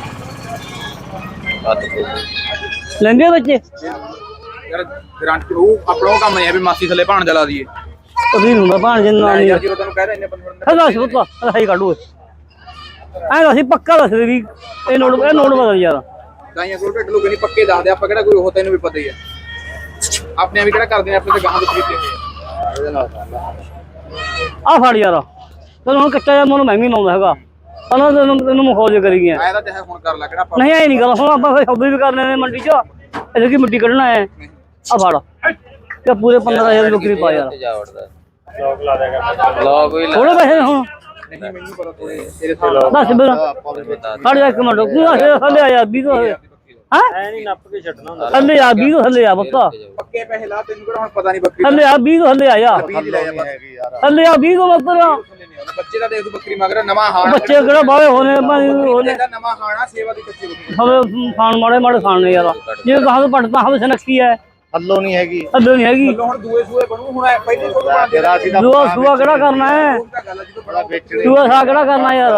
Speaker 1: ਲੈਂਦੇ ਬੱਚੇ
Speaker 3: ਯਾਰ ਗਰੰਟੀ ਉਹ ਆਪਣਾ ਉਹ ਕੰਮ ਨਹੀਂ ਹੈ ਵੀ ਮਾਸੀ ਥੱਲੇ ਭਾਣ ਜਲਾ ਦਈਏ
Speaker 1: ਕਦੀ ਹੁੰਦਾ ਭਾਣ ਜਿੰਨਾ ਨਹੀਂ
Speaker 3: ਯਾਰ ਜਦੋਂ ਤੈਨੂੰ ਕਹਿ ਰਹੇ ਇੰਨੇ ਬੰਦੇ
Speaker 1: ਹਦਾ ਸੁੱਤਾ ਸਹੀ ਕੱਢੋ ਐ ਅਸੀਂ ਪੱਕਾ ਦੱਸ ਦੇ ਵੀ ਇਹ ਨੋਟ ਬਦਲ ਯਾਰ
Speaker 3: ਗਾਈਆਂ ਕੋਲ ਢੱਡ ਲੋਕ ਨਹੀਂ ਪੱਕੇ ਦੱਸਦੇ ਆਪਾਂ ਕਿਹੜਾ ਕੋਈ ਉਹ ਤੈਨੂੰ ਵੀ ਪਤਾ ਹੀ ਆ ਆਪਣੇ ਵੀ ਕਿਹੜਾ ਕਰਦੇ ਨੇ ਆਪਣੇ ਤੇ ਗਾਹਾਂ ਤੋਂ ਕੀਤੇ ਹੋਏ
Speaker 1: ਆ ਫੜ ਯਾਰ ਤੈਨੂੰ ਹੁਣ ਕੱਚਾ ਜਿਹਾ ਮੈਨੂੰ ਮੈਂ ਵੀ ਲਾਉਂਦਾ ਹੈਗਾ ਪਹਿਲਾਂ ਤੈਨੂੰ ਮਖੌਜ ਕਰੀ ਗਿਆ
Speaker 3: ਮੈਂ ਤਾਂ ਚਾਹੇ ਹੁਣ ਕਰ ਲੈ ਕਿਹੜਾ ਆਪਾਂ
Speaker 1: ਨਹੀਂ ਐ ਨਹੀਂ ਗੱਲ ਹੁਣ ਆਪਾਂ ਫਿਰ ਸੌਦੇ ਵੀ ਕਰ ਲੈਣੇ ਮੰਡੀ 'ਚ ਇਹਦੇ ਕੀ ਮਿੱਟੀ ਕੱਢਣਾ ਹੈ ਆ ਫੜ ਤੇ ਪੂਰੇ 15000 ਦੀ ਬੱਕਰੀ ਪਾ ਯਾਰ
Speaker 4: ਲੋਕ ਲਾ ਦੇਗਾ ਲੋਕ ਵੀ
Speaker 1: ਥੋੜੇ ਪੈਸੇ ਹੁਣ
Speaker 3: ਨਹੀਂ ਮੈਨੂੰ ਪਤਾ ਤੇਰੇ ਸਾਹਮਣੇ
Speaker 1: ਦੱਸ ਬਿਰ ਖੜ ਜਾ ਇੱਕ ਮਿੰਟ ਤੂੰ ਥੱਲੇ ਆ ਯਾਰ 20 ਤੋਂ ਹੈ
Speaker 4: ਐ ਨਹੀਂ ਨੱਪ ਕੇ ਛੱਡਣਾ ਹੁੰਦਾ
Speaker 1: ਥੱਲੇ ਆ 20 ਤੋਂ ਥੱਲੇ ਆ ਬੱਕਾ
Speaker 3: ਪੱਕੇ ਪੈਸੇ ਲਾ ਤੈਨੂੰ ਕਿਹੜਾ ਹੁਣ ਪਤਾ ਨਹੀਂ ਬੱਕਰੀ
Speaker 1: ਥੱਲੇ ਆ 20 ਤੋਂ ਥੱਲੇ ਆ ਯਾਰ
Speaker 3: 20 ਦੀ ਲੈ ਜਾ ਬਸ
Speaker 5: ਹੈਗੀ ਯਾਰ
Speaker 1: ਥੱਲੇ ਆ 20 ਤੋਂ ਬੱਕਰਾ
Speaker 3: ਬੱਚੇ ਦਾ ਦੇਖ ਤੂੰ ਬੱਕਰੀ ਮੰਗ ਰਿਹਾ ਨਵਾਂ ਹਾਣਾ
Speaker 1: ਬੱਚੇ ਕਿਹੜਾ ਬਾਹਲੇ ਹੋਣੇ ਹੋਣੇ
Speaker 3: ਇਹਦਾ ਨਵਾਂ ਹਾਣਾ ਸੇਵਾ ਦੀ ਕੱਚੀ ਬੱਕਰੀ
Speaker 1: ਹਵੇ ਖਾਣ ਮਾੜੇ ਮਾੜੇ ਖਾਣੇ ਯਾਰ ਜੇ ਕਹਾਂ ਤੋਂ ਪੜਤਾ ਹਵੇ ਸਨਕੀ ਹੈ
Speaker 5: ਹੱਲੋ ਨਹੀਂ ਹੈਗੀ
Speaker 1: ਅੱਧੋ ਨਹੀਂ ਹੈਗੀ
Speaker 3: ਹੁਣ ਦੂਏ ਸੂਏ ਬਣੂ ਹੁਣ ਪਹਿਲੇ ਤੋਂ
Speaker 5: ਤੇਰਾ ਸੀ ਦਾ
Speaker 1: ਦੂਆ ਸੂਆ ਕਿਹੜਾ ਕਰਨਾ ਹੈ
Speaker 3: ਗੱਲ ਜਦੋਂ ਬੜਾ
Speaker 5: ਵੇਚਣੀ
Speaker 1: ਦੂਆ ਸਾ ਕਿਹੜਾ ਕਰਨਾ ਯਾਰ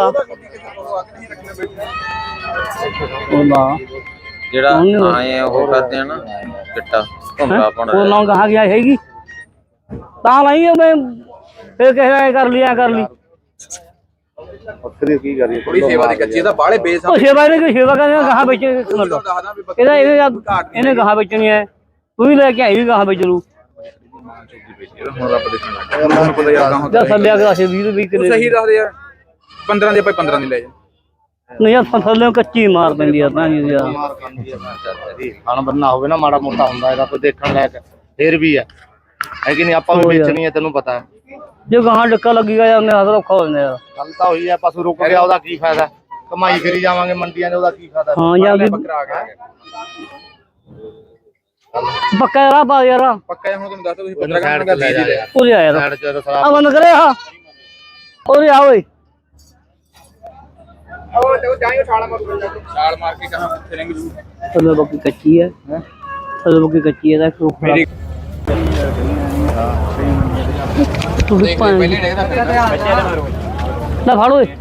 Speaker 1: ਉਹਦਾ
Speaker 4: ਜਿਹੜਾ ਆਏ ਆ ਉਹ ਕਰਦੇ ਆ ਨਾ ਚਿੱਟਾ ਘੁੰਮਾ ਪਾਉਣਾ
Speaker 1: ਉਹ ਨਾ ਕਹਾ ਗਿਆ ਹੈਗੀ ਤਾਂ ਲਈ ਮੈਂ ਫਿਰ ਕਹਿਆ ਕਰ ਲਿਆ ਕਰ ਲਈ
Speaker 5: ਬੱਕਰੀ ਕੀ ਕਰੀਏ
Speaker 3: ਥੋੜੀ ਸੇਵਾ ਦੀ ਕੱਚੀ ਇਹਦਾ ਬਾਹਲੇ ਬੇਸ
Speaker 1: ਉਹ ਸੇਵਾ ਨੇ ਕੋਈ ਸੇਵਾ ਕਰਨੀ ਕਹਾ ਵਿੱਚ
Speaker 3: ਦੱਸਦਾ ਵੀ ਬੱਕਰੀ
Speaker 1: ਇਹਨੇ ਕਹਾ ਵੇਚਣੀ ਹੈ ਤੂੰ ਵੀ ਲੈ ਕੇ ਆਈ ਵੀ ਕਹਾ ਵੇਚ ਲੂ
Speaker 3: ਹੁਣ ਰੱਬ ਦੇ ਸੁਣਾ ਮੈਨੂੰ ਪਤਾ ਯਾਰ ਕਹਾਂ
Speaker 1: ਜਾਂ ਥੱਲੇ ਆ ਕੇ 20 ਰੁਪਏ ਕਿਲੇ
Speaker 3: ਸਹੀ ਦੱਸਦੇ ਯਾਰ 15 ਦੇ ਆਪਾਂ 15 ਦੀ ਲੈ ਜਾ
Speaker 1: ਨਹੀਂ ਯਾਰ ਥੱਲੇ ਕੱਚੀ ਮਾਰ ਪੈਂਦੀ ਆ ਤਾਂ ਯਾਰ
Speaker 5: ਮਾਰ ਖਾਂਦੀ ਆ ਖਾਣ ਬੰਨਾ ਹੋਵੇ ਨਾ ਮਾੜਾ ਮੋਟਾ ਹੁੰਦਾ ਇਹਦਾ ਕੋਈ ਦੇਖਣ ਲਾਇਕ ਫੇਰ ਵੀ ਹੈ ਕਿ ਨਹੀਂ ਆਪਾਂ ਵੀ ਵੇਚਣੀ ਹੈ ਤੈਨੂੰ ਪਤਾ ਹੈ
Speaker 1: ਜੇ ਗਾਹਾਂ ਡੱਕਾ ਲੱਗੇਗਾ ਯਾਰ ਉਹਨੇ ਹੱਥ ਔਖਾ ਹੋ ਜਾਂਦਾ ਯਾਰ
Speaker 5: ਗੱਲ ਤਾਂ ਹੋਈ ਹੈ ਪਸ਼ੂ ਰੁਕ ਗਿਆ ਉਹਦਾ ਕੀ ਫਾਇਦਾ ਕਮਾਈ ਕਰੀ ਜਾਵਾਂਗੇ ਮੰਡੀਆਂ ਦੇ ਉਹਦਾ ਕੀ ਫਾਇਦਾ
Speaker 1: ਹਾਂ ਯਾਰ
Speaker 3: ਬੱਕਰਾ ਆ ਗਿਆ
Speaker 1: ਪੱਕਾ ਰਾਹ ਪਾ ਯਾਰ
Speaker 3: ਪੱਕਾ ਹੁਣ ਤੁਹਾਨੂੰ ਦੱਸਦਾ ਤੁਸੀਂ 15 ਘੰਟੇ ਦਾ 20 ਦੀ ਲੈ
Speaker 1: ਉਰੇ ਆ ਯਾਰ
Speaker 5: ਸਾਈਡ ਚ
Speaker 1: ਆ
Speaker 5: ਸਰਾਬ
Speaker 1: ਬੰਦ ਕਰੇ ਆ ਉਰੇ ਆ ਓਏ
Speaker 3: ਉਹ ਤੇ ਜਾਈਓ ਛਾਲ ਮਾਰੂ ਛਾਲ ਮਾਰ ਕੇ ਕਹਾਂ ਫਿਰਿੰਗ ਜੂ
Speaker 1: ਥੱਲੇ ਬੱਕੀ ਕੱਚੀ ਹੈ ਥੱਲੇ ਬੱਕੀ ਕੱਚੀ ਹੈ ਦਾ
Speaker 3: ਮੇਰੀ
Speaker 1: ਤੁਸੀਂ
Speaker 3: ਦੇਖ
Speaker 1: ਭਾਂ
Speaker 3: ਪਹਿਲੇ ਦੇਖਦਾ ਬੱਚੇ ਦਾ ਮਾਰੂ
Speaker 1: ਲੈ ਫੜ ਓਏ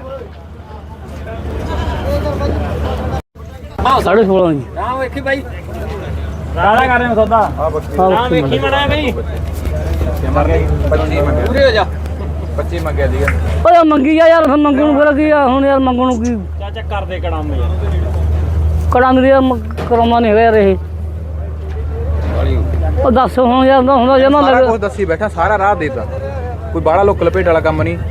Speaker 1: ਹਾਂ 16.5 ਜੀ
Speaker 4: ਹਾਂ ਵੇਖੀ ਬਾਈ
Speaker 1: ਰਾੜਾ ਕਰ ਰਹੇ ਸੌਦਾ ਹਾਂ ਵੇਖੀ
Speaker 4: ਮਣਾ ਬਈ
Speaker 3: ਮਰ ਗਈ 25 ਮੰਗਿਆ
Speaker 4: ਪੂਰੇ ਹੋ ਜਾ
Speaker 3: 25 ਮੰਗਿਆ ਸੀਗਾ
Speaker 1: ਓਏ ਮੰਗੀ ਜਾ ਯਾਰ ਫਿਰ ਮੰਗਣ ਨੂੰ ਫਿਰ ਕੀ ਆ ਹੁਣ ਯਾਰ ਮੰਗਣ ਨੂੰ ਕੀ
Speaker 4: ਚਾਚਾ ਕਰਦੇ ਕੜਾਮ ਯਾਰ
Speaker 1: ਕੜਾਂ ਦੀ ਕਰਾਉਣਾ ਨਹੀਂ ਹੈਗਾ ਯਾਰ ਇਹ ਉਹ ਦੱਸ ਹੁਣ ਯਾਰ ਹੁੰਦਾ ਜਮਾ
Speaker 3: ਸਾਰਾ
Speaker 1: ਲੱਗ
Speaker 3: ਕੁਝ ਦੱਸੀ ਬੈਠਾ ਸਾਰਾ ਰਾਹ ਦੇਤਾ ਕੋਈ ਬਾਹਲਾ ਲੋਕ ਲਪੇਟ ਵਾਲਾ ਕੰਮ ਨਹੀਂ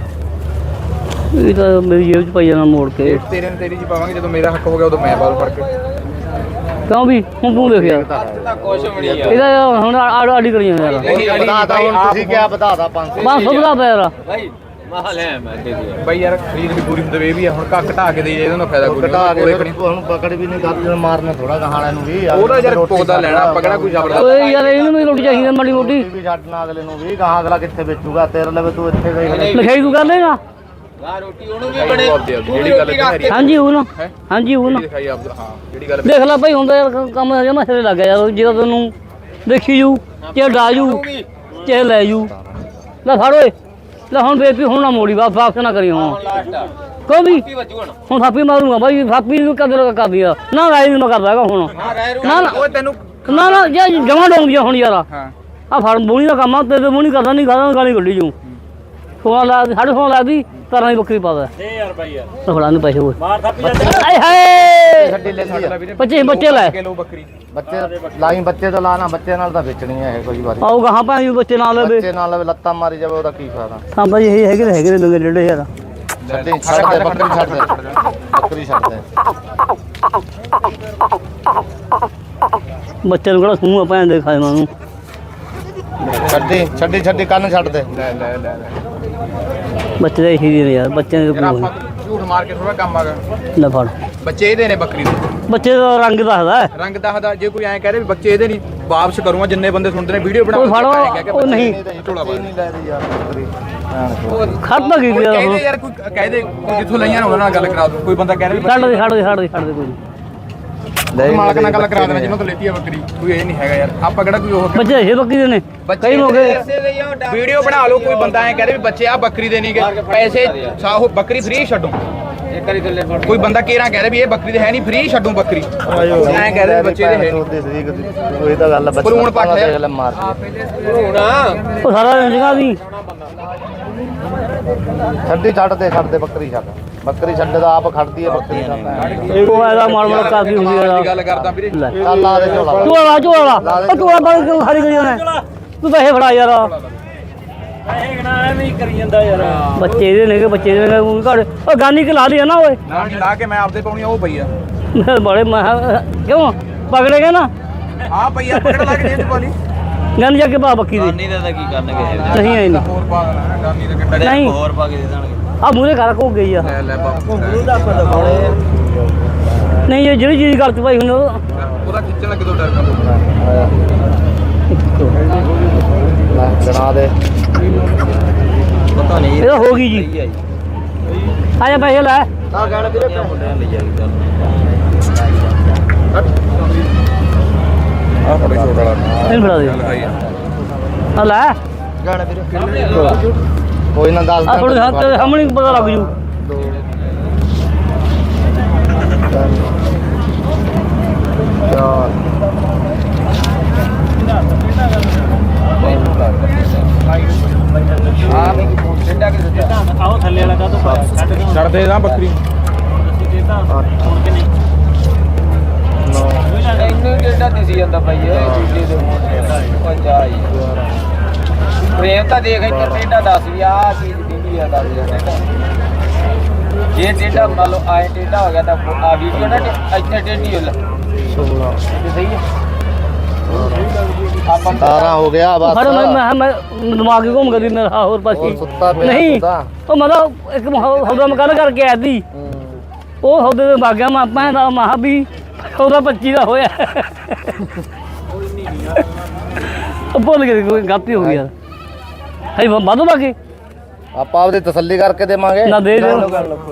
Speaker 1: ਇਹ ਤਾਂ ਮੇਰੀ ਜੇਬ ਚ ਪਈ ਜਾਣਾ ਮੋੜ ਕੇ
Speaker 3: ਤੇਰੇ ਨੇ ਤੇਰੀ ਜੀ ਪਾਵਾਂਗੇ ਜਦੋਂ ਮੇਰਾ ਹੱਕ ਹੋ ਗਿਆ ਉਦੋਂ ਮੈਂ ਬਾਲ ਫੜ ਕੇ
Speaker 1: ਕਿਉਂ ਵੀ ਹੁਣ ਤੂੰ ਦੇਖ ਯਾਰ
Speaker 4: ਕੁਛ ਵੀ ਨਹੀਂ ਯਾਰ
Speaker 1: ਇਹਦਾ ਹੁਣ ਆੜੀ ਕਰੀ ਜਾਂਦਾ ਯਾਰ
Speaker 5: ਵਧਾਤਾ ਹੁਣ ਤੁਸੀਂ ਕਿਆ ਵਧਾਤਾ 500
Speaker 1: 500 ਬਦਾ ਪਿਆ ਯਾਰ
Speaker 4: ਭਾਈ ਮਹਾ ਲੈ ਮੈਂ ਦੇ ਦਿਆ
Speaker 3: ਬਈ ਯਾਰ ਖਰੀਦ ਵੀ ਪੂਰੀ ਹੁੰਦੀ ਇਹ ਵੀ ਆ ਹੁਣ ਕੱਕ ਢਾ ਕੇ ਦੇ ਇਹਦਾ ਨਾ ਫਾਇਦਾ ਕੋਈ
Speaker 5: ਘਟਾ ਕੇ
Speaker 3: ਨਹੀਂ
Speaker 5: ਹੁਣ ਪਕੜ ਵੀ ਨਹੀਂ ਕਰਦੇ ਮਾਰਨੇ ਥੋੜਾ ਗਾਹਾਂ ਨੂੰ ਵੀ
Speaker 3: ਉਹਦਾ ਯਾਰ ਪੌਦਾ ਲੈਣਾ ਆਪਾਂ ਕਿਹੜਾ ਕੋਈ ਜ਼ਬਰਦਸਤ
Speaker 1: ਓਏ ਯਾਰ ਇਹਨੂੰ ਵੀ ਰੋਟੀ ਚਾਹੀਦੀ ਮਾੜੀ ਮੋਟੀ
Speaker 5: ਵੀ ਛੱਡਣਾ ਅਗਲੇ ਨੂੰ ਵੀ ਗਾਹਾਂ ਅਗਲਾ ਕਿੱਥੇ ਵੇਚੂਗਾ ਤੇਰੇ ਲਵੇ ਤੂੰ ਇੱਥੇ ਗਈ
Speaker 1: ਲਿਖਾਈ ਤੂੰ ਕਰ ਲੇਗਾ
Speaker 4: ਲਾ ਰੋਟੀ ਉਹਨੂੰ ਵੀ ਬਣੇ
Speaker 3: ਜਿਹੜੀ ਗੱਲ ਹੈ
Speaker 1: ਹਾਂਜੀ ਉਹ ਨਾ ਹਾਂਜੀ ਉਹ ਨਾ
Speaker 3: ਦਿਖਾਈ ਆਪ ਹਾਂ ਜਿਹੜੀ ਗੱਲ
Speaker 1: ਦੇਖ ਲੈ ਭਾਈ ਹੁੰਦਾ ਯਾਰ ਕੰਮ ਜਮਾ ਸਿਰੇ ਲੱਗ ਗਿਆ ਯਾਰ ਜਦੋਂ ਤੈਨੂੰ ਦੇਖੀ ਜੂ ਚੇ ਡਾਜੂ ਚੇ ਲੈ ਜੂ ਲੈ ਫੜ ਓਏ ਲੈ ਹੁਣ ਬੇਪੀ ਹੁਣ ਨਾ ਮੋੜੀ ਵਾਪਸ ਨਾ ਕਰੀ ਹੁਣ ਕੋਈ ਵੀ
Speaker 4: ਕੀ ਵੱਜੂ ਹੁਣ
Speaker 1: ਹੁਣ ਥਾਪੀ ਮਾਰੂੰਗਾ ਬਾਈ ਥਾਪੀ ਨੂੰ ਕਦਰ ਕਰਦੀ ਆ ਨਾ ਰਾਈ ਨੂੰ ਮੈਂ ਕਰਦਾ ਹੈਗਾ ਹੁਣ
Speaker 4: ਹਾਂ ਰਹਿ ਰੂ
Speaker 1: ਨਾ ਨਾ
Speaker 3: ਓਏ ਤੈਨੂੰ
Speaker 1: ਨਾ ਨਾ ਜੇ ਜਮਾ ਡੋਂਗੀ ਹੁਣ ਯਾਰ
Speaker 3: ਹਾਂ
Speaker 1: ਆ ਫੜ ਮੂਣੀ ਦਾ ਕੰਮ ਆ ਤੇ ਮੂਣੀ ਕਰਦਾ ਨਹੀਂ ਕਰਦਾ ਗਾਲੀ ਕੱਢੀ ਜੂ 16 ਲਾ 16.5 ਲਾ ਦੀ ਤਰਾਂ ਦੀ ਬੱਕਰੀ ਪਾਦਾ
Speaker 4: ਦੇ ਯਾਰ ਬਾਈ ਯਾਰ
Speaker 1: ਫੜਾ ਨੂੰ ਪੈਸੇ ਹੋਏ
Speaker 4: ਮਾਰ ਥੱਪੀ ਜਾ
Speaker 1: ਆਏ ਹਾਏ
Speaker 5: ਛੱਡੀ ਲੈਂਦੀ ਆ
Speaker 1: ਬੱਚੇ ਬੱਚੇ ਲੈ
Speaker 3: ਕਿਲੋ ਬੱਕਰੀ
Speaker 5: ਬੱਚੇ ਲਾਈ ਬੱਚੇ ਤਾਂ ਲਾਣਾ ਬੱਚੇ ਨਾਲ ਤਾਂ ਵੇਚਣੀ ਹੈ ਇਹ ਕੋਈ ਵਾਰੀ
Speaker 1: ਆਓ ਗਾਹਾਂ ਭਾਈ ਬੱਚੇ ਨਾਲ ਲਵੇ
Speaker 5: ਬੱਚੇ ਨਾਲ ਲਵੇ ਲੱਤਾਂ ਮਾਰੀ ਜਾਵੇ ਉਹਦਾ ਕੀ ਫਾਇਦਾ
Speaker 1: ਹਾਂ ਭਾਈ ਇਹ ਹੈਗੇ ਨੇ ਲੰਗੇ ਡੇਢੇ ਯਾਰ
Speaker 5: ਛੱਡੀ ਛੱਡ ਦੇ ਬੱਕਰੀ ਛੱਡ ਦੇ ਬੱਕਰੀ ਛੱਡ ਦੇ
Speaker 1: ਬੱਚੇ ਨੂੰ ਕਿਹੜਾ ਸੂਹ ਆਪਾਂ ਦੇ ਖਾਏ ਮਾਨੂੰ
Speaker 5: ਛੱਡੀ ਛੱਡੀ ਛੱਡੀ ਕੰਨ ਛੱਡ ਦੇ
Speaker 3: ਲੈ ਲੈ ਲੈ
Speaker 1: ਬੱਚੇ ਦੇ ਹੀ ਨੇ ਯਾਰ ਬੱਚਿਆਂ ਦੇ
Speaker 3: ਯਾਰ ਆਪਾਂ ਝੂਠ ਮਾਰ ਕੇ ਥੋੜਾ ਕੰਮ ਆਗਾ
Speaker 1: ਲੈ ਫੜ
Speaker 3: ਬੱਚੇ ਇਹਦੇ ਨੇ ਬੱਕਰੀ ਦੇ
Speaker 1: ਬੱਚੇ ਦਾ ਰੰਗ ਦੱਸਦਾ
Speaker 3: ਰੰਗ ਦੱਸਦਾ ਜੇ ਕੋਈ ਐਂ ਕਹੇ ਵੀ ਬੱਚੇ ਇਹਦੇ ਨਹੀਂ ਵਾਪਸ ਕਰੂੰਗਾ ਜਿੰਨੇ ਬੰਦੇ ਸੁਣਦੇ ਨੇ ਵੀਡੀਓ ਬਣਾ
Speaker 1: ਉਹ ਫੜੋ ਉਹ ਨਹੀਂ
Speaker 5: ਨਹੀਂ ਲੈ ਰਹੀ ਯਾਰ ਬੱਕਰੀ
Speaker 1: ਖੜਦਾ ਕੀ ਯਾਰ
Speaker 3: ਕਹਿੰਦੇ ਯਾਰ ਕੋਈ ਕਹਦੇ ਕੋਈ ਜਿੱਥੋਂ ਲਈਆਂ ਉਹਨਾਂ ਨਾਲ ਗੱਲ ਕਰਾ ਦੋ ਕੋਈ ਬੰਦਾ ਕਹਿ ਰਿਹਾ
Speaker 1: ਛੱਡ ਦੇ ਛੱਡ ਦੇ ਛੱਡ ਦੇ ਛੱਡ ਦੇ ਕੋਈ
Speaker 3: ਵੀ ਮਾਲਕ ਨਾਲ ਗੱਲ ਕਰਾ ਦੇਣਾ ਜਿਹਨਾਂ ਤੋਂ ਲੈਤੀ ਆ ਬੱਕਰੀ ਕੋਈ ਇਹ ਨਹੀਂ ਹੈਗਾ ਯਾਰ ਆਪਾਂ ਕਿਹੜਾ ਕੋਈ ਉਹ
Speaker 1: ਬੱਚੇ ਇਹ ਬੱਕੀ ਦੇ ਨੇ ਕਈ ਮੌਕੇ
Speaker 3: ਵੀਡੀਓ ਬਣਾ ਲਓ ਕੋਈ ਬੰਦਾ ਐਂ ਕਹਦੇ ਵੀ ਬੱਚੇ ਆ ਬੱਕਰੀ ਦੇ ਨਹੀਂਗੇ ਪੈਸੇ ਸਾਹੋ ਬੱਕਰੀ ਫ੍ਰੀ ਛੱਡੋ
Speaker 4: ਇੱਕ ਵਾਰੀ ਥੱਲੇ ਫੜ
Speaker 3: ਕੋਈ ਬੰਦਾ ਕੇਰਾ ਕਹਿ ਰਿਹਾ ਵੀ ਇਹ ਬੱਕਰੀ ਦੇ ਹੈ ਨਹੀਂ ਫ੍ਰੀ ਛੱਡੂ ਬੱਕਰੀ ਐਂ ਕਹਿ ਰਹੇ ਬੱਚੇ ਦੇ ਹੈ ਨਹੀਂ
Speaker 5: ਉਹ ਤਾਂ ਗੱਲ ਹੈ ਬੱਚੇ
Speaker 3: ਭਰੂਣ ਪੱਟ
Speaker 5: ਦੇਖ ਲੈ ਮਾਰ
Speaker 4: ਹੁਣ
Speaker 1: ਉਹ ਸਾਰਾ ਜਗ੍ਹਾ ਦੀ
Speaker 5: ਛੱਡੀ ਛੱਡ ਦੇ ਬੱਕਰੀ ਛੱਡ ਬੱਕਰੀ ਛੱਡ ਦਾ ਆਪ ਖੜਦੀ ਹੈ ਬੱਕਰੀ ਛੱਡ
Speaker 1: ਉਹ ਇਹਦਾ ਮਾਲ ਮਾਲ ਕਾਫੀ ਹੁੰਦੀ
Speaker 3: ਦੀ
Speaker 1: ਆ
Speaker 3: ਗੱਲ ਕਰਦਾ ਵੀਰੇ
Speaker 1: ਲੈ
Speaker 5: ਚੱਲ ਲਾ ਦੇ ਝੋਲਾ
Speaker 1: ਝੋਲਾ ਝੋਲਾ ਉਹ ਝੋਲਾ ਬਾਲ ਕਿਉਂ ਖਾਲੀ ਕਰੀ ਜਾਣਾ ਤੂੰ ਪੈਸੇ ਫੜਾ ਯਾਰ
Speaker 4: ਪੈਸੇ ਗਣਾ ਐਵੇਂ ਹੀ ਕਰੀ ਜਾਂਦਾ ਯਾਰ
Speaker 1: ਬੱਚੇ ਦੇ ਨੇ ਕਿ ਬੱਚੇ ਦੇ ਨੇ ਘੜ ਉਹ ਗਾਨੀ ਕਿ ਲਾ ਦੀ ਨਾ ਓਏ
Speaker 3: ਨਾ ਲਾ ਕੇ ਮੈਂ ਆਪਦੇ ਪਾਉਣੀ ਉਹ ਪਈ ਆ
Speaker 1: ਬੜੇ ਮੈਂ ਕਿਉਂ ਪਕੜੇਗਾ ਨਾ
Speaker 3: ਆ ਪਈ ਆਪਾਂ ਕਿਹੜਾ ਲਾ ਕੇ ਜੇਬ ਚ ਪਾ ਲਈ
Speaker 1: ਗੰਨ ਜਾ ਕੇ ਪਾ ਬੱਕੀ ਦੀ
Speaker 2: ਨਹੀਂ ਦਾ ਕੀ ਕਰਨਗੇ
Speaker 1: ਨਹੀਂ ਆਈ ਨਹੀਂ
Speaker 3: ਹੋਰ ਪਾ ਦੇਣਾ ਗਾਨੀ ਦਾ ਕਿੱਡਾ
Speaker 1: ਨਹੀਂ
Speaker 2: ਹੋਰ ਪਾ ਕੇ ਦੇ ਦੇਣਗੇ
Speaker 1: ਆ ਮੂਰੇ ਘਰ ਕੋ ਗਈ ਆ
Speaker 3: ਲੈ ਬਾਪੂ
Speaker 2: ਉਹਦਾ ਪਤਾ ਬੜੇ
Speaker 1: ਨਹੀਂ ਇਹ ਜਿਹੜੀ ਚੀਜ਼ ਗੱਲ ਚ ਭਾਈ ਹੁਣ
Speaker 3: ਉਹਦਾ ਖਿੱਚਣ ਲੱਗੇ ਤੋਂ ਡਰ ਕਾ
Speaker 5: ਗਣਾ ਦੇ
Speaker 2: ਪਤਾ ਨਹੀਂ
Speaker 1: ਇਹ ਤਾਂ ਹੋ ਗਈ ਜੀ ਆ ਜਾ ਪੈਸੇ ਲੈ
Speaker 2: ਆ ਗਾਣਾ ਵੀਰੇ ਮੁੰਡਿਆਂ ਲਈ ਜਾ ਕੇ
Speaker 3: ਆ ਬੜੇ ਛੋਟਾ ਵਾਲਾ
Speaker 1: ਇਹਨੂੰ ਫੜਾ ਦੇ
Speaker 3: ਲਗਾਈ
Speaker 1: ਆ ਲੈ
Speaker 2: ਗਾਣਾ ਵੀਰੇ
Speaker 5: ਕੋਈ ਨਾ ਦੱਸ
Speaker 1: ਆ ਥੋੜੇ ਹੱਥ ਤੇ ਸਾਹਮਣੇ ਪਤਾ ਲੱਗ ਜੂ
Speaker 2: ਆ ਮੈਂ ਡੰਡਾ ਕੇ ਦਿੱਤਾ ਆਓ ਥੱਲੇ ਵਾਲਾ ਕਾ ਤੋਂ
Speaker 3: ਛੱਡ ਦੇ ਨਾ ਬੱਕਰੀ
Speaker 2: ਇੰਨੇ ਡੰਡਾ ਦਿਸੀ ਜਾਂਦਾ ਭਾਈ ਇਹ ਦੂਜੇ ਦੇ ਮੂੰਹ ਉਹ ਜਾਈ ਪ੍ਰੇਮ ਤਾਂ ਦੇਖ ਇੱਥੇ ਡੰਡਾ ਦੱਸ ਵੀ ਆ ਚੀਜ਼ ਦੀ ਆ ਦੱਸ ਜਾਂਦਾ ਜੇ ਡੰਡਾ ਮੰਨ ਲਓ ਆਏ ਡੰਡਾ ਹੋ ਗਿਆ ਤਾਂ ਆ ਵੀਡੀਓ ਨਾ ਇੱਥੇ ਡੰਡੀ ਹੋ ਲਾ ਸਹੀ ਹੈ ਆਪਾਂ
Speaker 5: 18 ਹੋ ਗਿਆ ਬਸ
Speaker 1: ਪਰ ਮੈਂ ਦਿਮਾਗ ਹੀ ਘੁੰਮ ਗਈ ਮੇਰਾ ਹੋਰ ਪਾਸੇ
Speaker 5: ਸੁੱਤਾ ਪਿਆ
Speaker 1: ਨਹੀਂ ਉਹ ਮਤਲਬ ਇੱਕ ਹੌਦਾ ਮਕਾਨ ਕਰਕੇ ਆਇਆ ਸੀ ਉਹ ਹੌਦੇ ਦੇ ਭਾਗਿਆ ਮਾਪਾ ਦਾ ਮਹਾ ਵੀ ਉਹਦਾ 25 ਦਾ ਹੋਇਆ ਉਹ ਭੁੱਲ ਗਏ ਕੋਈ ਗਲਤੀ ਹੋ ਗਈ ਯਾਰ ਹੈ ਵਾਧੂ ਬਾਕੀ
Speaker 5: ਆਪਾਂ ਆਪਦੀ ਤਸੱਲੀ ਕਰਕੇ ਦੇਵਾਂਗੇ
Speaker 1: ਨਾ ਦੇ ਦਿਓ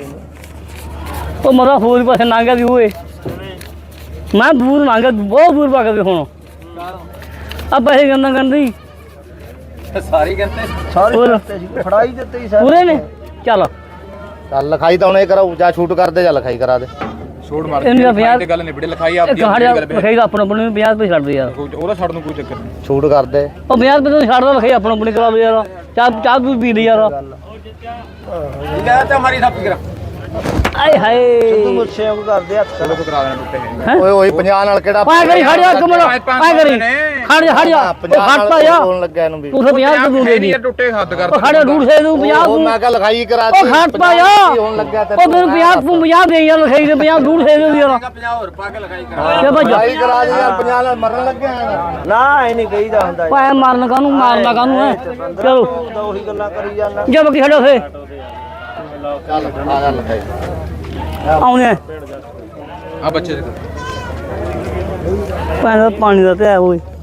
Speaker 1: ਉਹ ਮਰਾ ਹੋਰ ਪਾਸੇ ਨਾਂਗਾ ਦੀ ਹੋਏ ਮੈਂ ਦੂਰ ਨਾਂਗਾ ਬਹੁਤ ਦੂਰ ਪਾ ਕੇ ਹੁਣ ਆ ਪੈਸੇ ਗੰਦਾ ਗੰਦੀ
Speaker 2: ਸਾਰੀ ਕਹਿੰਦੇ
Speaker 1: ਹੋਰ
Speaker 2: ਫੜਾਈ ਦਿੱਤੇ ਹੀ
Speaker 1: ਪੂਰੇ ਨੇ ਚੱਲ
Speaker 5: ਚੱਲ ਲਿਖਾਈ ਤਾਂ ਉਹਨੇ ਕਰਾਉ ਜਾਂ ਛੂਟ ਕਰਦੇ ਜਾਂ ਲਿਖਾਈ ਕਰਾ ਦੇ
Speaker 3: ਛੋੜ ਮਾਰ
Speaker 1: ਇਹਨੂੰ ਤਾਂ ਪੰਜਾਹ-
Speaker 3: ਤੇ ਗੱਲ ਨਿਬੜੇ ਲਿਖਾਈ
Speaker 1: ਇੱਕ
Speaker 3: ਆਪਦੀ
Speaker 1: ਹੜਿਆ
Speaker 3: ਗੱਲ
Speaker 1: ਲਿਖਾਈ ਦਾ ਆਪਣਾ ਆਪਣੇ 50 ਰੁਪਏ ਛੱਡ ਦੇ ਯਾਰ
Speaker 3: ਉਹਦਾ ਛੱਡ ਨੂੰ ਕੋਈ ਚੱਕਰ ਨਹੀਂ
Speaker 5: ਛੂਟ ਕਰਦੇ
Speaker 1: ਉਹ 50 ਰੁਪਏ ਤੋਂ ਛੱਡ ਦਾ ਲਿਖਾਈ ਆਪਣਾ ਆਪਣੇ ਕਰਾ ਲਓ ਯਾਰ ਚਾਹ ਤੂੰ ਪੀ ਲਈ ਯਾਰ
Speaker 2: ਲੈ ਤਾਂ ਮਾਰੀ ਥੱਪ ਕਰਾ
Speaker 1: ਆਏ ਹਾਏ
Speaker 2: ਮੁੱਛੇ ਉਹ ਕਰਦੇ ਹੱਥ
Speaker 3: ਚਲੋ ਕਰਾ ਦੇਣਾ ਟੁੱਟੇ ਨੇ
Speaker 1: ਹੈਂ?
Speaker 5: ਓਏ ਓਏ 50 ਨਾਲ ਕਿਹੜਾ
Speaker 1: ਪਾਇਆ ਕਰੀ ਖੜ ਜਾ ਕਮਲ ਪਾਇਆ ਕਰੀ ਖੜ ਜਾ ਖੜ ਜਾ ਉਹ ਖੜਤਾ ਜਾ
Speaker 5: ਬੋਲਣ ਲੱਗਿਆ ਇਹਨੂੰ ਵੀ
Speaker 1: ਤੂੰ ਤਾਂ 50 ਰੁਪਏ ਤੂੰ ਦੇ ਦੀ
Speaker 3: ਟੁੱਟੇ ਹੱਦ ਕਰ
Speaker 1: ਉਹ ਖੜ ਡੂੜ ਸੇ ਤੂੰ 50
Speaker 5: ਉਹ
Speaker 1: ਤੂੰ
Speaker 5: ਮੈਂ ਕਿਹਾ ਲਿਖਾਈ ਕਰਾ
Speaker 1: ਉਹ ਖੜਤਾ ਜਾ
Speaker 5: ਹੋਣ ਲੱਗਿਆ ਤੇ
Speaker 1: ਉਹ ਤੈਨੂੰ 50 ਤੂੰ 50 ਦੇ ਯਾਰ ਲਿਖਾਈ ਦੇ 50 ਡੂੜ ਸੇ ਦੇ ਯਾਰ
Speaker 2: 50 ਹੋਰ ਪਾ ਕੇ ਲਗਾਈ ਕਰਾ
Speaker 1: ਤੇ ਭੱਜ
Speaker 5: ਲਿਖਾਈ ਕਰਾ ਦੇ ਯਾਰ 50 ਨਾਲ ਮਰਨ ਲੱਗਿਆ
Speaker 2: ਨਾ ਇਹ ਨਹੀਂ ਕਹੀਦਾ ਹੁੰਦਾ
Speaker 1: ਪਾਇਆ ਮਾਰਨ ਕਾਨੂੰ ਮਾਰਨਾ ਕਾਨੂੰ ਹੈ ਚਲੋ
Speaker 2: ਤਾਂ ਉਹੀ ਗੱਲਾਂ ਕਰੀ ਜਾਂਦਾ
Speaker 1: ਜਾ ਬੱਕੀ ਖੜੋ ਫੇ
Speaker 5: ਚੱਲ ਆ ਜਾ ਲਿਖਾਈ
Speaker 1: ਆਉਣੇ
Speaker 3: ਆ ਬੱਚੇ ਦੇ
Speaker 1: ਪਾਣੀ ਦਾ ਤੇ ਹੈ ਓਏ